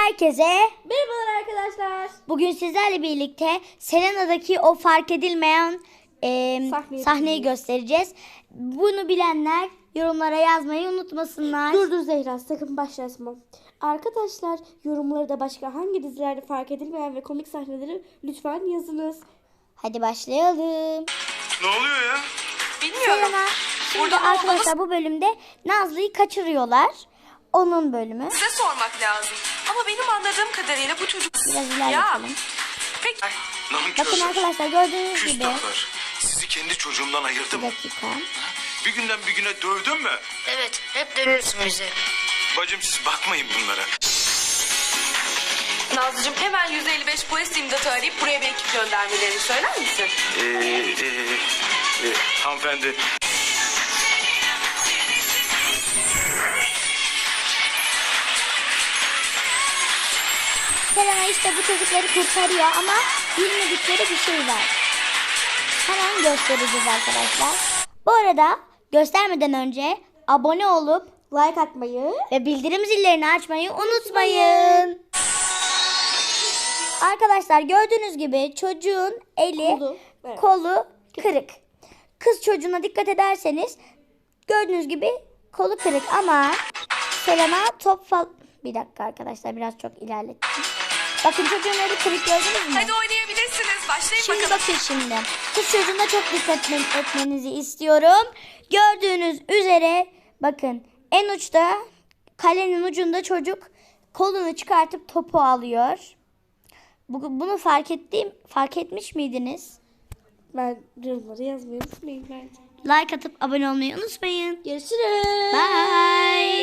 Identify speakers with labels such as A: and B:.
A: Herkese
B: Merhabalar arkadaşlar.
A: bugün sizlerle birlikte Selena'daki o fark edilmeyen sahneyi göstereceğiz. Bunu bilenler yorumlara yazmayı unutmasınlar.
B: Dur Zehra, sakın başlatma. Arkadaşlar, yorumları da başka hangi dizilerde fark edilmeyen ve komik sahneleri lütfen yazınız.
A: Hadi başlayalım.
C: Ne oluyor ya?
D: Bilmiyorum.
A: Selena, şimdi arkadaşlar bu bölümde Nazlı'yı kaçırıyorlar. Onun bölümü.
D: Size sormak lazım. Ama benim anladığım kadarıyla bu çocuk...
A: Biraz ilerletelim.
D: Peki.
A: Bakın arkadaşlar, gördüğünüz gibi.
C: Küstahlar. Sizi kendi çocuğumdan ayırdım.
A: Bir dakika.
C: Bir günden bir güne dövdün mü?
E: Evet, hep dönüyorsun bize.
C: Bacım siz bakmayın bunlara.
D: Nazlıcığım, hemen 155 polis imdatı arayıp buraya bir ekip göndermelerini söyler misin?
C: Hanımefendi.
A: Selena işte bu çocukları kurtarıyor ama bilmedikleri bir şey var. Hemen göstereceğiz arkadaşlar. Bu arada göstermeden önce abone olup
B: Like atmayı.
A: ve bildirim zillerini açmayı unutmayın. Arkadaşlar gördüğünüz gibi çocuğun eli, kolu kırık. Kız çocuğuna dikkat ederseniz gördüğünüz gibi kolu kırık ama Selena bir dakika arkadaşlar, biraz çok ilerlettim. Bakın çocuğun eli kırık, gördünüz mü?
D: Hadi oynayabilirsiniz. Başlayın
A: Şimdi
D: bakalım.
A: bakın şimdi. Kız çocuğuna çok dikkat etmenizi istiyorum. Gördüğünüz üzere bakın en uçta, kalenin ucunda çocuk kolunu çıkartıp topu alıyor. Bunu fark etmiş miydiniz?
B: Ben yorumları yazmayı unutmayın bence.
A: Like atıp abone olmayı unutmayın.
B: Görüşürüz.
A: Bye.